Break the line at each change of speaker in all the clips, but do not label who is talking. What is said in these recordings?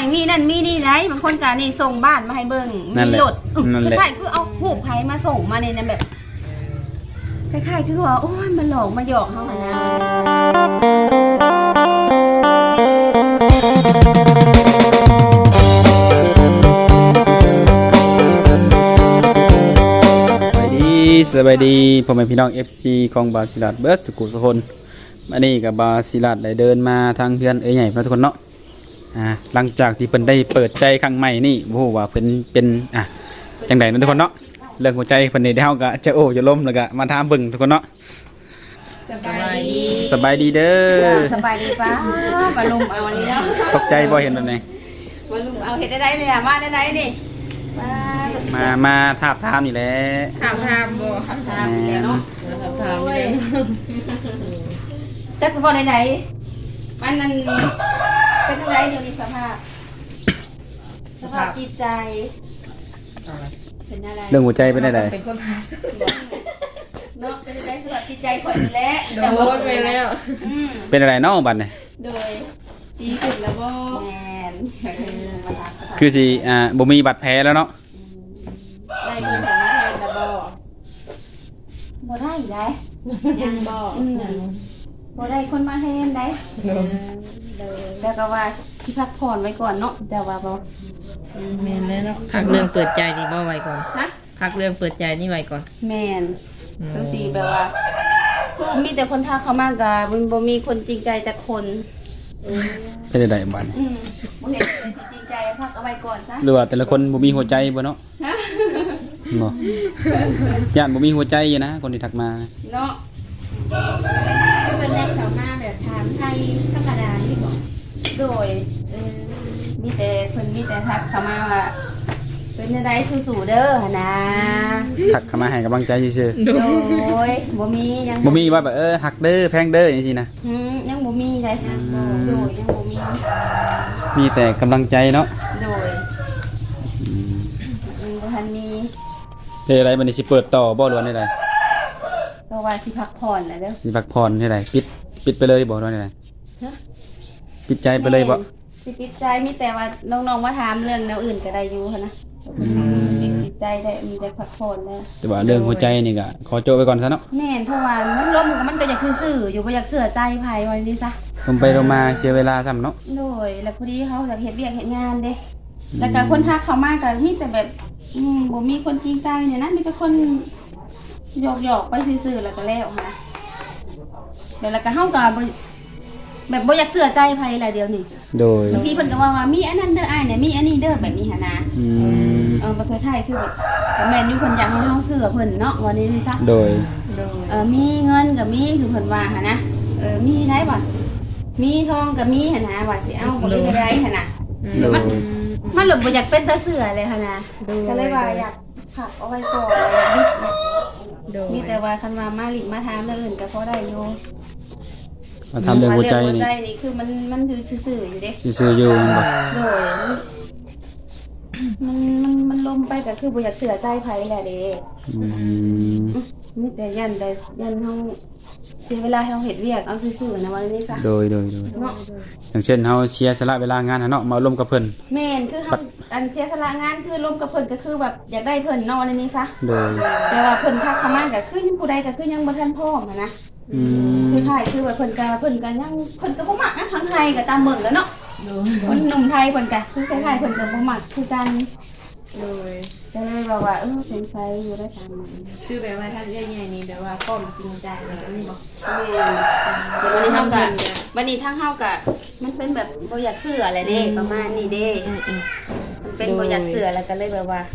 มีนั่นมีนี่ได้บางคนก็นี่ส่งบ้านมาให้เบิ่งมีรถคล้ายๆคือเอาหูบไผมาส่งมาในนั้นแบบคล้ายๆคือว่าโอ้ยมันหลอกมาหยอกเฮาหั่นนะ
สบายดีพ่อแม่พี่น้อง FC ของบาซิลัดเบิร์ดสกุลสุคนอันนี้กับบาซิลัดได้เดินมาทางเฮือนใหญ่ทุกคนเนาะหลังจากที่เพิ่นได้เปิดใจครั้งใหม่นี่บ่ฮู้ว่าเพิ่นเป็นจังได๋ทุกคนเนาะเรื่องหัวใจเพิ่นนี่ได้เฮาก็จะโอ้จะล้มแล้วก็มาถามเบิ่งทุกคนเนาะสบายดีเด้อ
สบายดีป้าบาลุมเอาอันนี้เนาะ
ตกใจบ่เห็นแบบนี้
บาลุมเอาเฮ็ดได้เลยอ่ะมาได้นี่
มาถามถามนี่แหละ
ถามบ่ถามแล้วเนาะถามจักคือบ่ไหนมันนั่นเป็นจังไดเดี๋ยวนี้สภาพจิตใจเป็นอะไร
เรื่องหัวใจเป็นได
เป็นคนพา
เนาะเป็นจังไดสภาพจิตใจข่อยนี่แหละ
โดนไปแล้ว
เป็นอะไรเนาะบัดนี้
โดยดีขึ้นแล้วบ่แม่น
คือสิบ่มีบาดแผลแล้วเนาะ
ได้เงินจากนักเรียนแล้วบ่ได้ได้ยังบ่ได้คนมาแทนได้แล้วก็ว่าสิพักผ่อนไว้ก่อนเนาะแต่ว่าบ่
แม่นแล้วเนาะพักเรื่องเปิดใจนี่บ่ไว้ก่อนพักเรื่องเปิดใจนี่ไว้ก่อน
แม่นคือสิแบบว่าคือมีแต่คนทักเข้ามาก็บ่มีคนจริงใจแต่คน
เป็นไดบัดนี้
บ่เห็นจริงใจพักเอาไว้ก่อนซะ
หรือว่าแต่ละคนบ่มีหัวใจบ่เนาะบ่ย่านบ่มีหัวใจอยู่นะคนที่ทักมา
เนาะก็เป็นแรกแถวหน้าแบบถามไทยธรรมดานี่บ่โดยมีแต่เพิ่นมีแต่ทักเข้ามาว่าเป็นจังได๋สู้ๆเด้อหั่นนะ
ทักเข้ามาให้กำลังใจซื่อ
ๆโดยบ่มียัง
บ่มีว่าแบบฮักเด้อแพงเด้อจังซี่นะ
ยังบ่มีได้โดยยังบ่
มีแต่กำลังใจเนาะ
โดยบ่ทันมี
ได้อะไรบัดนี้สิเปิดต่อบ่หรือว่าได้
เพราะว่าสิพักผ่อนแล้วเด้อ
สิพักผ่อนได้ไดปิดไปเลยบ่หรือว่าได้ปิดใจไปเลยบ่
สิปิดใจมีแต่ว่าน้องๆมาถามเรื่องแนวอื่นก็ได้อยู่หั่นนะปิดใจได้มีแต่พักผ่อนแล้ว
แต่ว่าเรื่องหัวใจนี่ก็ขอโจไว้ก่อนซะเนาะ
แม่นเพราะว่ามันล้มมันก็อยากซื่อๆอยู่บ่อยากเสื่อใจไผไว้นี่ซะ
ลงไปลงมาเสียเวลาซ้ำเนาะ
โดยแล้วพอดีเขาอยากเฮ็ดเวียกเฮ็ดงานเด้แล้วก็คนทักเข้ามาก็มีแต่แบบบ่มีคนจริงใจเนี่ยนะมีแต่คนหยอกๆไปซื่อๆแล้วก็แล้วค่ะแล้วก็เฮาก็แบบบ่อยากเสื่อใจไผแหละเดี๋ยวนี้
โดย
บางทีเพิ่นก็ว่ามีอันนั้นเด้ออ้ายเนี่ยมีอันนี้เด้อแบบนี้หั่นนะประเทศไทยคือแบบแม่นอยู่เพิ่นอยากให้เฮาเสื่อเพิ่นเนาะว่านี้นี่ซะ
โดย
มีเงินก็มีคือเพิ่นว่าหั่นนะมีได้บ่มีทองก็มีหั่นนะว่าสิเอาบ่ได้ได้หั่นน่ะมันหลบบ่อยากเป็นตาเสื่อเลยหั่นนะก็เลยว่าอยากผักเอาไว้ก่อนมีแต่ว่าคันว่ามาหลิมาถามเรื่องอื่นก็พอได้อยู่
มาทำเรื่องหัวใจ
นี่คือมันอยู่ซื่อๆอยู่เด้
ซื่อๆอยู่บ่
โดยมันลมไปก็คือบ่อยากเสื่อใจไผแหละเด้มีแต่ยันเฮาเสียเวลาเฮาเฮ็ดเวียกเอาซื่อๆนะว่านี่ซะ
โดยเนาะอย่างเช่นเฮาเสียสละเวลางานเนาะมาร่วมกับเพิ่น
แม่นคือเฮาอันเสียสละงานคือร่วมกับเพิ่นก็คือแบบอยากได้เพิ่นเนาะในนี้ซะ
โดย
แต่ว่าเพิ่นทักเข้ามาก็คือผู้ใดก็คือยังบ่ทันพร้อมนะคือถ่ายคือว่าเพิ่นก็ยังเพิ่นก็บ่มักนะทางไทยก็ตามเบิ่งแล้วเนาะคนหนุ่มไทยเพิ่นก็คือคล้ายๆเพิ่นก็บ่มักคือกันเลยก็เลยว่าสงสัยอยู่ได้ตามมัน
คือแบบว่าท่านใหญ่ๆนี่แบบว่าป้อมจริงใจอะไรนี่บ่
แต่วันนี้เฮาก็วันนี้ทางเฮาก็มันเป็นแบบบ่อยากเชื่ออะไรเด้ประมาณนี้เด้มันเป็นบ่อยากเชื่อแล้วก็เลยแบบว่า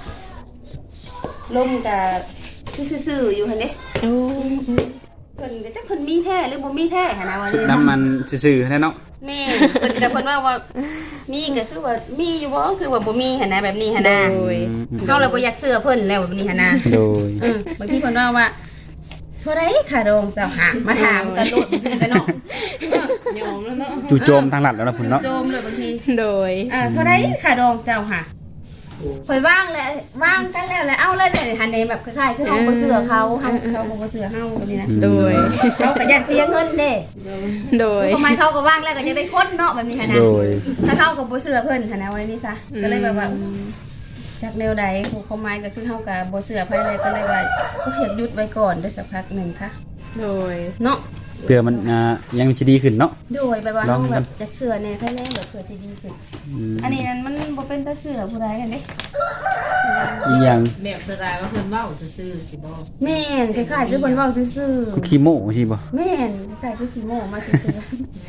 ล่มก็ซื่อๆอยู่หั่นเด้เพิ่นก็จักเพิ่นมีแท้หรือบ่มีแท้หั่นนะว่า
ชุดน้ำมันซื่อๆแท้เนาะ
แม่เพิ่นก็เพิ่นว่ามีก็คือว่ามีอยู่บ่คือว่าบ่มีหั่นนะแบบนี้หั่นนะเฮาเลยบ่อยากเชื่อเพิ่นแล้วแบบนี้หั่นนะ
โดย
บางทีเพิ่นว่าเท่าไรค่ะดองเจ้าหามาถามกันโลดไปเนาะ
ยอมแล้วเนาะ
จู่โจมทางหลัดแล้วนะพุ่นเนาะ
โจมเลยบางที
โดย
เท่าไรค่ะดองเจ้าหาข่อยว่างแล้วว่างกันแล้วเอาเลยเดี๋ยวหันในแบบคล้ายๆคือเฮาบ่เสือเขาบ่เสือเฮาแบบนี้นะ
โดย
เขาก็อยากเสียเงินเด้
โดย
ทำไมเขาก็ว่างแล้วก็จะได้คนเนาะแบบนี้นะ
โดย
ถ้าเขาก็บ่เสือเพิ่นนะวันนี้ซะก็เลยแบบว่าจากแนวใดผู้เขาไม้ก็คือเฮาก็บ่เสือไผเลยก็เลยว่าก็เฮ็ดหยุดไว้ก่อนได้สักพักหนึงซะ
โดย
เนาะ
เพื่อมันยังสิดีขึ้นเนาะ
โดยแบบว่าเฮาแบบอยากเสือแน่ไผแน่แบบเผื่อสิดีขึ้นอันนี้นั้นมันบ่เป็นตาเสือผู้ใดกันเด้
อีกอย่าง
แบบสไตล์ว่าเพิ่นเว้าซื่อๆสิบ่
แม่นคล้ายๆคือเพิ่นเว้าซื่อ
คือขี้โม้ใช่บ่
ๆแม่นคล้ายๆคือขี้โม้มาซื่อ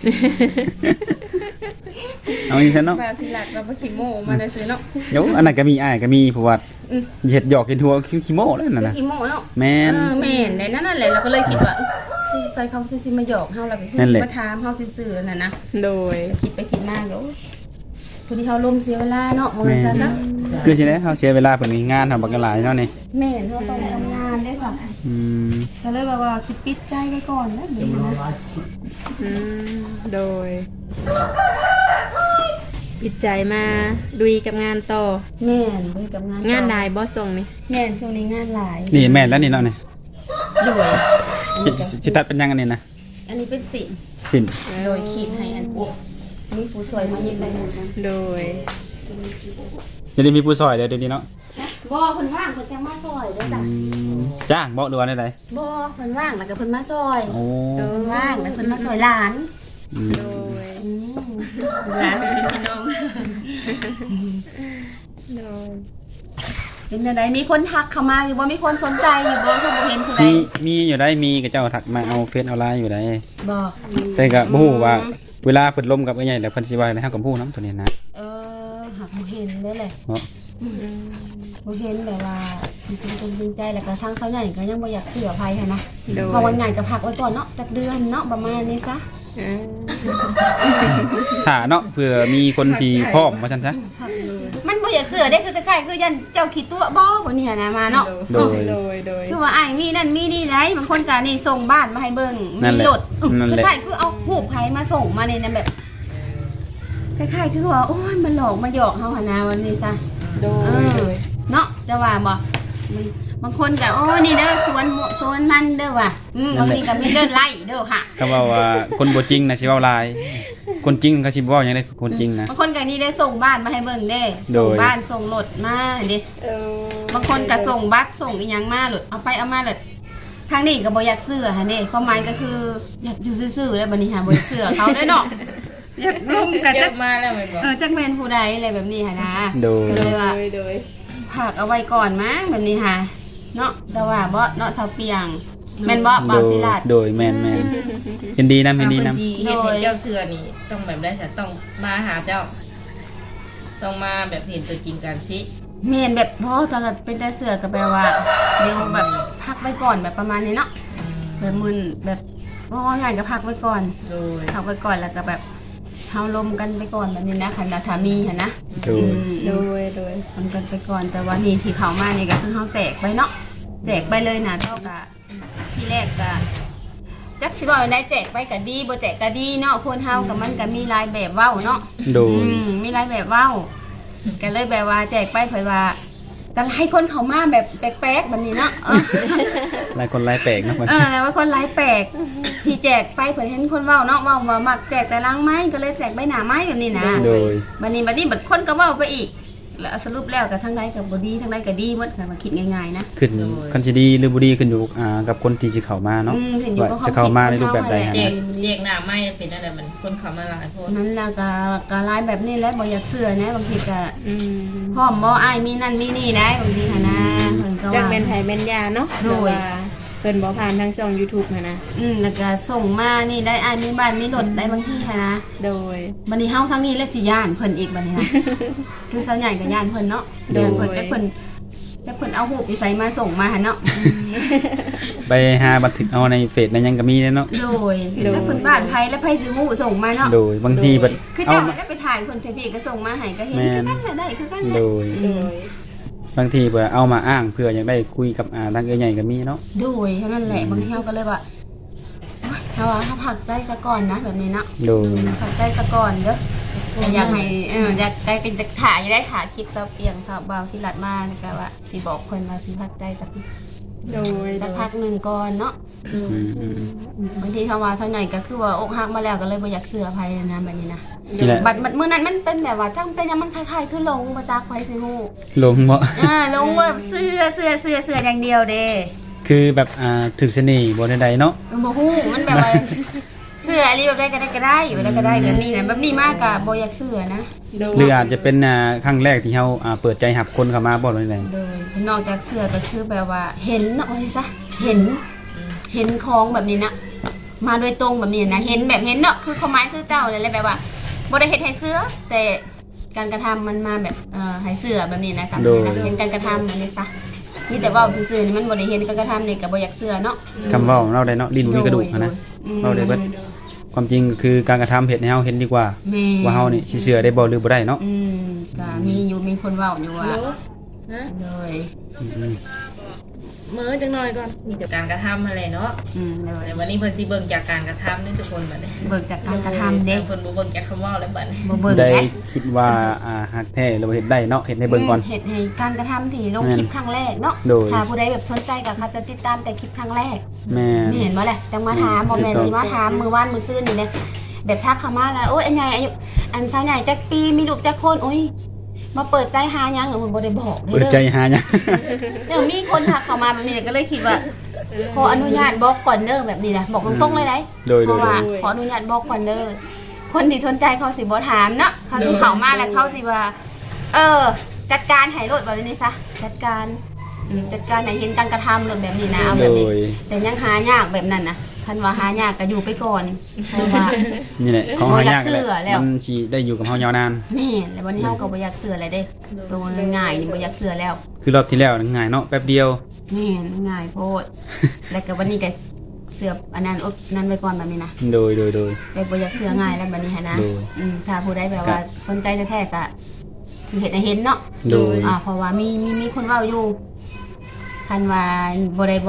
เอาอีกซั่น
ๆ
เนาะ
แบบสิลัดแบบว่าขี้โม้มาได้ซื่อเนาะ
เดี๋ยวอันนั้นก็มีอ้ายก็มีเพราะว่าเฮ็ดหยอกเฮ็ดหัวคือขี้โม้แล้วนั่นน่ะ
ขี้โม้เนาะ
แม่น
แม่นในนั่นแหละเราก็เลยคิดว่าใส่เขาคือสิมาหยอกเฮาแล้วก็
นั่นแหละ
มาถามเฮาซื่อๆนั่นนะ
โดย
คิดไปคิดมาก็ผู้ที่เฮาลมเสียเวลาเนาะบ่แม่นซะซะ
คือสิได้เฮาเสียเวลาเพิ่นมีงานทำบักหลายเนาะนี่
แม่นเฮาต้องทำงานได้ซะ
อืม
ก็เลยแบบว่าสิปิดใจไว้ก่อนนะเดี๋ยวนี้นะ
โดยปิดใจมาดุยกับงานต่อ
แม่นด้วยกับงาน
งานได้บ่ส่งนี่
แม่นช่วงนี้งานหลาย
นี่แม่นแล้วนี่เนาะนี่
ด้วย
สิตัดเป็นยังอันนี้นะ
อันนี้เป็นสิน
สิน
โดยขีดให้อันมีผู้ช่วยมาเย็บได้หมดนะ
โดย
จะได้มีผู้ซอยเดี๋ยวนี้เนาะ
บ่เพิ่นว่างเพิ่นจะมาซอยได้อจ้ะ
จ้างบ่หรือว่าได
บ่เพิ่นว่างแล้วก็เพิ่นมาซอย
โอ้
เพิ่นว่างแล้วเพิ่นมาซอยหลาน
โดย
หลานเป็นพี่น้อง
โดย
เป็นจังไดมีคนทักเข้ามาอยู่บ่มีคนสนใจอยู่บ่คือบ่เห็นผู้ใด
มีอยู่ได้มีกับเจ้าถักมาเอาเฟซเอาไลน์อยู่ได้
บ่
แต่ก็บ่ฮู้ว่าเวลาเพิ่นล่มกับไอ้ใหญ่แล้วเพิ่นสิว่าให้เฮากับผู้นํตัวนี้นะ
หักบ่เห็นได้แหละ
เนาะ
บ่เห็นแบบว่าจริงๆจริงใจแล้วก็ทางเซาใหญ่ก็ยังบ่อยากเสียภัยหันนะ
โดย
เพราะว่าใหญ่ก็พักไว้ก่อนเนาะจักเดือนเนาะประมาณนี้ซะ
ถ้าเนาะเผื่อมีคนที่พร้อมว่าซั่นซะ
มันบ่อยากเสือได้คือคล้ายๆคือยันเจ้าขี้ตัวบ่บ่นี่หันนะมาเนาะ
โดย
โดยโดย
คือว่าอ้ายมีนั่นมีนี่ได้บางคนก็นี่ส่งบ้านมาให้เบิ่ง
นั่น
มี
แหละ
รถ
นั่น
ค
แหละ
ล้ายๆคือเอารูปใครมาส่งมาในนั้นแบบคล้ายๆคือว่าโอ้ยมันหลอกมาหยอกเฮาหั่นนะวันนี้ซะ
โดยโดย
เนาะจะว่าบ่บางคนก็โอ้นี่เด้อสวนมันเด้อว่ะบางทีก็มีเด้อไร่เด้อค่ะ
ก็ว่าคนบ่จริงน่ะสิเว้าหลายคนจริงเขาสิบ่เว้าหยังได้คนจริงนะ
บางคนก็นี่ได้ส่งบ้านมาให้เบิ่งเด้
โดย
ส่งบ้านส่งรถมาเด้ บางคนก็ส่งบัตรส่งอีหยังมาหลุดเอาไปเอามาหลุดทางนี้ก็บ่อยากเสื้อหั่นเด้ความหมายก็คืออยากอยู่ซื่อๆแล้วบัดนี้หาบ่อยากเสื้อเขาได้เนาะอยากร่วมกับ
เจ็
จั
บ
ก
มาแล้วแม่นบ่
จักแม่นผู้ใดอะไรแบบนี้หั่นนะ
โดย
ก็เลยว่า
โดย
ฝากเอาไว้ก่อนมั้งแบบนี้ค่ะเนาะแต่ว่าบ่เนาะสาวเปียงแม่นบ่บ่าวศิลาด
โดยแม่นเห็นดีนำเห็นดีนำ
เฮ็ดให้เจ้าเสือนี่ต้องแบบได้ซะต้องมาหาเจ้า ต้องมาแบบเห็นตัวจริงกันสิ
แม่นแบบพอตอนเป็นแต่เสื้อก็แปลว่าเดี๋ยวแบบพักไว้ก่อนแบบประมาณนี้เนาะแบบมึนแบบว่างานก็พักไว้ก่อน
โดย
พักไว้ก่อนแล้วก็แบบเฮาลมกันไปก่อนแบบนี้นะคันสามีหั่นนะ
โดย
โดยโดย
ลมกันไปก่อนแต่ว่านี่ที่เขามานี่ก็คือเฮาแจกไปเนาะแจกไปเลยนะเท่ากับที่แรกก็จักสิว่าได้แจกไปก็ดีบ่แจกก็ดีเนาะคนเฮากับมันก็มีหลายแบบเว้าเนาะ
โดย
มีหลายแบบเว้าก็เลยแบบว่าแจกไปเผยว่าก็ให้คนเขามาแบบแปลกๆแบบนี้เนาะ
หลายคนหลายแปลกเนาะมัน
แล้วว่าคนไร้แปลกที่แจกไปเผื่อเห็นคนเว้าเนาะเว้าว่ามักแจกแต่ล้างไม้ก็เลยแจกใบหน้าไม้แบบนี้นะ
โดย
บัดนี้บัดคนก็เว้าไปอีก แล้วสรุปแล้วกับทั้งใดกับบดีทั้งใดกับดีหมดค่ะมาคิดง่ายๆนะ
ขึ้นคันสิดีหรือบ่ดีขึ้นอยู่กับคนที่สิเข้ามาเนาะ
เห็นอยู่
ว่า
ก็
จะเข้ามาในรูปแบบใด
แจ
นะ
กแจกหน้าไม้เป็นอะไรมันคนเขามาหลายคน
มันแล้วก็ร้ายแบบนี้แล้วบ่อยากเสื่อนะบางทีก็
อืม
พร้อมบ่อ้ายมีนั่นมีนี่ได้บางทีค่ะนะเพิ่นก็
จัก
ว่า
แม่นไผแม่นยาเนาะ
โดย
แต่ว่าเพิ่นบ่ผ่านทางช่อง YouTube นะนะ
แล้วก็ส่งมานี่ได้อ้ายมีบ้านมีรถได้บางทีค่ะนะ
โดย
บัดนี้เฮาทั้งนี้และสิย่านเพิ่นอีกบัดนี้นะ คือสาวใหญ่ก็ย่านเพิ่นเนาะ
โดย
ย่านเพิ่นแต่เพิ่นเอารูปอีไสมาส่งมาหั่นเนาะ
ไปหาบันทึกเอาในเฟซในหยังก็มีเนาะ
โดยถ้าเพิ่นบ้านไผและไผสิฮู้ส่งมาเนาะ
โดยบางทีบัด
คือ
เอา
เจ้า
มา
ได้ไปถ่ายคนพี่ก็ส่งมาให้ก็เห็น
แม่
คือน กันแหละได้คือกันแห
โด
ละ
ย
โดย
บางทีเพื่อเอามาอ้างเพื่ออยากได้คุยกับทางเอ้ยใหญ่ก็มีเนาะ
โดยเท่านั้นแหละบางทีเฮาก็เลยว่าโอ๊ยเฮาว่าเฮาพักใจซะก่อนนะแบบนี้เนาะ
โดย
พักใจซะก่อนเด้ออยากให้อยากได้เป็นถ่ายได้ถ่ายคลิปเซาเปียงเซาเบาสิลัดมาก็ว่าสิบอกเพิ่นว่าสิพักใจสัก
โดย
สักพักหนึ่งก่อนเนาะ
อืม
บางทีคำว่าเท่าไหร่ก็คือว่าอกหักมาแล้วก็เลยบ่อยากเสือภัยนะแบบนี้นะ
นี่แหละ
บัดมื้อนั้นมันเป็นแบบว่าจังเป็นยังมันคล้ายๆคือลงบ่จักไผสิฮู้
ลงบ่
ลงว่าเสืออย่างเดียวเด้
คือแบบถึกเสน่ห์บ่ใดๆเนาะ
บ่ฮู้มันแบบว่า เสืออะไรแบบได้ก็ได้อยู่ได้ก็ได้แบบนี้นะแบบนี้มากก็บ่อยากเสือนะ
โดย
หรืออาจจะเป็นครั้งแรกที่เฮาเปิดใจรับคนเข้ามาบ่ได้ได
โดยนอกจากเสือก็คือแบบว่าเห็นเนาะว่าซะเห็นของแบบนี้นะมาโดยตรงแบบนี้นะเห็นแบบเห็นเนาะคือความหมายคือเจ้าเลยแหละแบบว่าบ่ได้เฮ็ดให้เสือแต่การกระทำมันมาแบบให้เสือแบบนี้นะสามารถนะเห็นการกระทำแบบนี้ซะมีแต่เว้าซื่อๆนี่มันบ่ได้เห็นการกระทำนี่ก็บ่อยากเสือเนาะ
คำเว้าเราได้เนาะลิ้นบ่มีกระดูกอะนะเราได้เบิดความจริงคือการกระทำเฮ็ดให้เฮาเห็นดีกว่า
แม่
ว่าเฮานี่สิเชื่อได้บ่หรือบ่ได้เนาะ
ก็มีคนเว้าอยู่ว่า
ฮะ
โดย
อืม
มื้อจังหน่อยก่อน
มีแต่การกระทำอะไรเนาะ
โดย
แต่วันนี้เพิ่นสิเบิ่งจากการกระทำนี่ทุกคนบัดนี้
เบิกจากการกระทำเด้
เพิ่นบ่เบิ่งจากคำเว้าแล้วบัดนี้
บ่เบิก
ได้
แท้
คิดว่าฮักแท้หรือว่าเฮ็ดได้เนาะเฮ็ดให้เบิ่งก่อน
เห็ดให้การกระทำที่ลงคลิปครั้งแรกเนาะ
โดย
ถ้าผู้ใดแบบสนใจก็เขาจะติดตามแต่คลิปครั้งแรก
แม่
ไม่เห็นบ่แหละจังมาถามบ่แม่นสิมาถามมือว่านมือซื่นนี่เลยแบบทักเข้ามาแล้วโอ้ยอันใหญ่อายุอันสาวใหญ่จักปีมีลูกจักคนโอ้ยมาเปิดใจหายังหรือมันบ่ได้บอก
เปิดใจหาหยัง
เดี๋ยวมีคนทักเข้ามาแบบนี้ก็เลยคิดว่าขออนุญาตบอกก่อนเด้อแบบนี้นะบอกตรงๆเลยได้
โดย
เพราะว่าขออนุญาตบอกก่อนเด้อคนที่สนใจเขาสิบ่ถามเนาะเขาสิเข้ามาแล้วเขาสิว่าจัดการให้รถแบบนี้ซะจัดการให้เห็นการกระทำรถแบบนี้นะเอา
โด
แบบนี้
ย
แต่ยังหายากแบบนั้นนะคันว่าหายากก็อยู่ไปก่อนเพราะว่า
นี่แหละของหายาก
บ่อยากเชื่อแล้ว
มันสิได้อยู่กับเฮายาวนาน
แม่นแล้ววันนี้เฮาก็บ่อยากเสืออะไรเด้ตัวง่ายๆนี่บ่อยากเสือแล้ว
คือรอบที่แล้วนั่นง่ายเนาะแป๊บเดียว
แม่นง่ายโพด แล้วก็วันนี้ก็เสืออันนั้นอดนั้นไว้ก่อนแบบนี้นะ
โดย
เลยบ่อยากเสือง่ายแล้วแบบนี้หันนะ
โดย
ถ้าผู้ใดแบบว่าสนใจแท้ๆก็สิเฮ็ดให้เห็นเนาะ
โดย
เพราะว่ามีคนเว้าอยู่คันว่าบ่ได้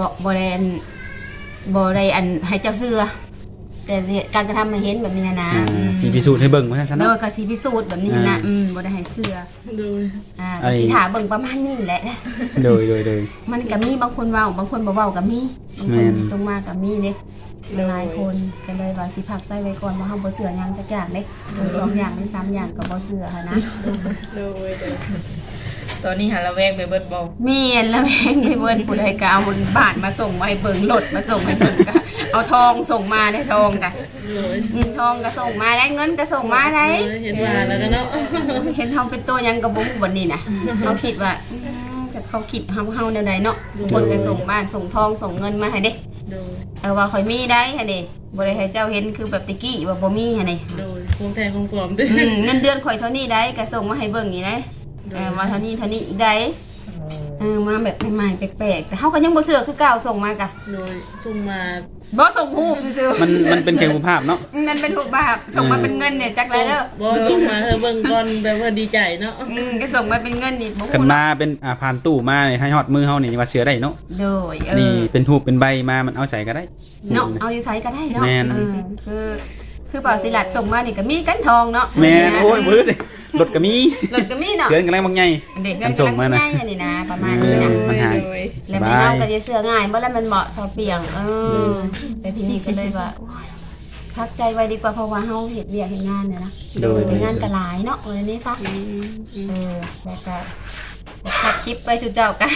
อันให้เจ้าเสือแต่สิการกระทำให้เห็นแบบนี้นะ
สิพิสูจน์ให้เบิ่งว่าซั่น
โด
เนาะ
ยก็สิพิสูจน์แบบนี้นะบ่ได้ให้เสือ
โดย
ก็สิถาเบิ่งประมาณนี้แหละ
โดย
มันก็มีบางคนเว้าบางคนบ่เว้าก็มีบาง
แม่
คน
น
ตรงมาก็มีเด้หลายคนก็เลยว่าสิพักใจไว้ก่อนว่าเฮาบ่เชื่อหยังจักอย่างเด้ทั้งสองอย่างหรือสามอย่างก็บ่เชื่อหันนะ
โดย
ตอนนี้หาละแวงไปเบิดบ่
แม่นแล้วแม่งให้เบิ่นผู้ใดก็เอาบ้านมาส่งมาให้เบิ่งรถมาส่งให้เบิ่งก็เอาทองส่งมาได้ทองก็
โดย
ทองก็ส่งมาได้เงินก็ส่งมาได้
เห็นมาแล้วก็เนาะ
เห็นทองเป็นตัวหยังก็บ่ฮู้บัดนี้น่ะเขาคิดว่าแต่เขาคิดเฮาแนวใดเนาะคนก็ส่งบ้านส่งทองส่งเงินมาให้เด้
โดย
ว่าข่อยมีได้หั่นเด้บ่ได้ให้เจ้าเห็นคือแบบตะกี้ว่าบ่มีหั่นเด้
โดยคงแทนคงปลอมด้วย
เงินเดือนข่อยเท่านี้ได้ก็ส่งมาให้เบิ่งนี่ได้ว่าเท่านี้อีกได้มาแบบใหม่ๆแปลกๆแต่เฮาก็ยังบ่เชื่อคือเก่าส่งมากะ
โดยส่งมา
บ่ส่งรูปซื่อ
มันเป็นแค่รูปภาพเนาะ
ๆมันเป็นรูปแบบส่งมาเป็นเงินเนี่ยจักไรเด้อ
บ่ส่งมาเธอเบิ่งก่อนแบบว่าดีใจเนาะ
ก็ส่งมาเป็นเงินนี่บ่
กัน
ฮู้
มาเป็นผ่านตู้มาให้ฮอดมือเฮานี่ว่าเชื่อได้เนาะ
โดย
นี่เป็นรูปเป็นใบมามันเอาใส่ก็ได้
เนาะเอาอยู่ไสก็ได้เนาะ
แม่น
คือเป่าสิลัดส่งมานี่ก็มีกันทองเนาะ
แม่นโอ้ยมืดรถก็มี
รถก็มีเนาะ
เกินกันแล้วบางใหญ่
เด็ก
อันส่งมานะ
ง่ายๆอันนี้นะประมาณนี้นะ
มันหาย
โดย
แล้วไม่เฮาก็จะเสื้อง่ายเมื่อแล้วมันเหมาะสอเปียงแต่ทีนี้ก็เลยว่าโอ๊ยพักใจไว้ดีกว่าเพราะว่าเฮาเฮ็ดเวียกเฮ็ดงานเนี่ยนะ
โดย
เฮ็ดงานก็หลายเนาะวันนี้ซะแล้วก็ทักคลิปไปจุเจ้ากัน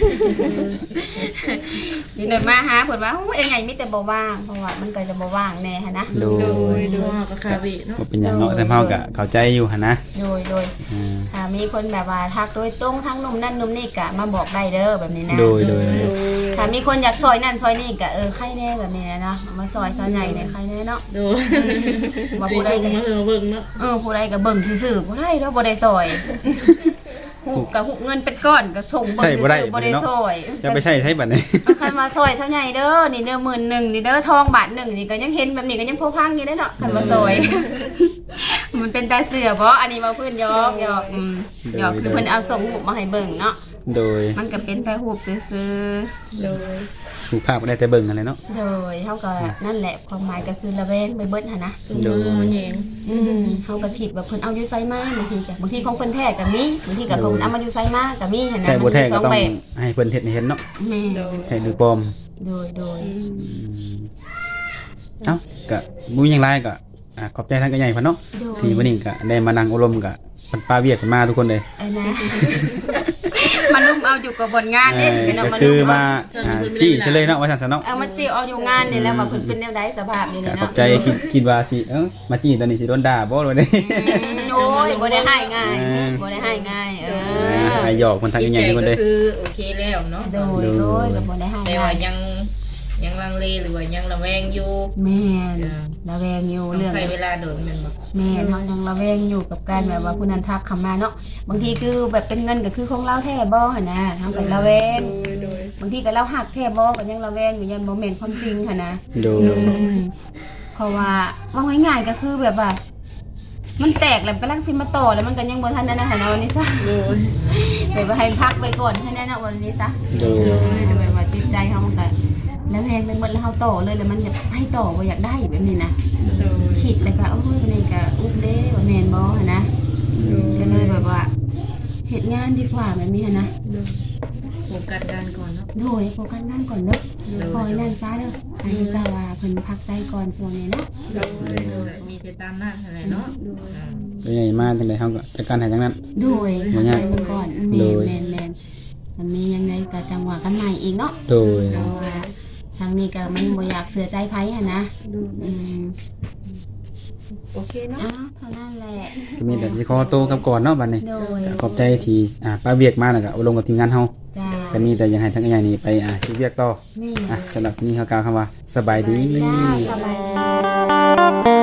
ยินดีมาหาเพิ่นว่าโอ้ยยังไงมีแต่บ่ว่างเพราะว่ามันก็จะบ่ว่างแน่หั่นนะ
โด
โด
ย
ยโดยก็คาบิเนาะ
บ่เป็นหยังเนาะแต่เฮาก็เข้าใจอยู่หั่นนะ
โดย
อ่า
ถ้ามีคนแบบว่าทักโดยตรงทั้งหนุ่มนั่นหนุ่มนี่ก็มาบอกได้เด้อแบบนี้นะ
โดย
ถ้ามีคนอยากซอยนั่นซอยนี่ก็ใครแน่แบบนี้นะเนาะมาซอยซอยใหญ่เนี่ยใครแน่เนาะ
โดย
ว่า
ดี
ผู้ใด
ส่ง
ก็
มาเธอเบิ่งเนาะ
ผู้ใดก็เบิ่งซื่อๆผู้ใดแล้วบ่ได้ซอยหูกับหูเงินเป็นก้อนก็ส่งเบิ่ง
ใช่บ่ได้
ซื่อๆบ่ได้ซอย
จะไปใช้บัดนี้
เอาคันมาซอยซะใหญ่เด้อนี่เด้อ11,000นี่เด้อทองบาท1นี่ก็ยังเห็นแบบนี้ก็ยังพอพังอยู่ได้เนาะคันมาซอย มันเป็นตาเสือบ่อันนี้บ่เพิ่นหยอกหยอกคือเพิ่นเอาส่งรูปมาให้เบิ่งเนาะ
โดย
มันก็เป็นแต่รูปซื่อ
โดย
ถูกภาพก็ได้แต่เบิ่งนั่นแหละเนาะ
โดยเฮาก็นั่นแหละความหมายก็คือระแวงไปเบิดหั่นนะ
ส่งมาแยง
เฮาก็คิดว่าเพิ่นเอาอยู่ไสมาบางทีก็บางทีของเพิ่นแท้ก็มีบางทีก็เพิ่นเอามาอยู่ไสมาก็มีหั่นนะ
แต่บ่แท้
ส
ก็
อง
ต้อง
แบบ
ให้เพิ่นเฮ็ดให้เห็นเนาะ
แม่
แท้หรือปลอม
โดย
เอ้าก็บ่มีหยังหลายก็ขอบใจทางกระใหญ่เพิ่นเนาะ
โดย
ที่วันนี้ก็ได้มานั่งอบรมกับเพิ่นป้าเวียกเพิ่นมาทุกคนเลย
นะ มันลุ่มเอาอยู่กับบนงานเด้พี่น้อง
ก็
มัน
คื
ลุ่
อ
ม
มาจี้เฉลยเนาะว่าซั่นซะเนาะ
เอามาจี้เอาอยู่งานนี่แหล้วว่าเพิ่นเป็นแนวใดสภาพนี่
ก็
เนาะ
ขอบใจคิดว่าสิมาจี้ตอนนี้สิโดนด่าบ่ว่าได้
โอ้ยบ่ได้ให้ง่ายบ่ได้ให้ง่าย
ให้หยอกเพิ่นทาง
จิต
ใหญ่
ใจ
ทุกคน
ก็
เลย
คือโอเคแล้วเนาะ
โดยก็บ่ได้ให้
แต่
ง่า
ว่าย ยังลังเลหรือว่ายังระแวงอยู่
แม่นระแวงอยู่
ต้อง
เรื่อง
ใช้เวลาโดนแมันบ่
แม่เฮายังระแวงอยู่กับการแบบว่าผู้นั้นทักเข้ามาเนาะบางทีคือแบบเป็นเงินก็คือของเราแท้บ่หั่นนะเฮาก็ระแวงบางทีก็เราหักแท้บ่ก็ยังระแวงอยู่ยันบ่แม่นความจริงหั่นนะ
โดย
เพราะว่าว่าง่ายๆก็คือแบบว่า มันแตกแล้วกำลังสิมาต่อแล้วมันก็ยังบ่ทันนั่นนะหั่นนะวันนี้ซะแบบว่าให้พักไปก่อนแค่นั้นนะวันนี้ซะ
โดย
แบบว่าจิตใจเฮามันก็แล้วแพงไปหมดแล้วเฮาต่อเลยแล้วมันอยากให้ต่อบ่อยากได้แบบนี้นะคิดแล้วก็โอ้ยวันนี้ก็อุ๊บเด้ว่าแม่นบ่หั่นนะก็เลยแบบว่าเฮ็ดงานดีกว่าแบบนี้หั่นนะ
โฟกัสงานก่อนเนาะ
โดยโฟกัสงานก่อนเด้อคอยงานซ้าเด้อให้เจ้าว่าเพิ่นพักใจก่อนช่วงนี้เนาะ
มีแต่ตามนั้นอะไรเนาะ
ตัวใหญ่มาจังได๋เฮาก็จัดการให้จังนั้น
โดย
บ่
พัก
ยา
ใจ
ก
เบิ่งก่อน
โดย
แม่นมันมียังไงก็จังหวะกันใหม่อีกเนาะ
โดย
เพราะว่าทางนี้ก็มันบ่อยากเสือใจไผหั่นนะโอเคเนาะเท่านั้นแหละ
ก็มีแต่สิขอตัวกลับก่อนเนาะบัดนี้
โดย
ก็ขอบใจที่ป้าเวียกมาแล้วก็อบรมกับทีมงานเฮา
จ้า
ก็มีแต่อยังให้ทางกระใหญ่นี่ไปสิเวียกต่อ
แม่
สำหรับที่นี่เขากล่าวคำว่าสบายดี
จ้าสบายดี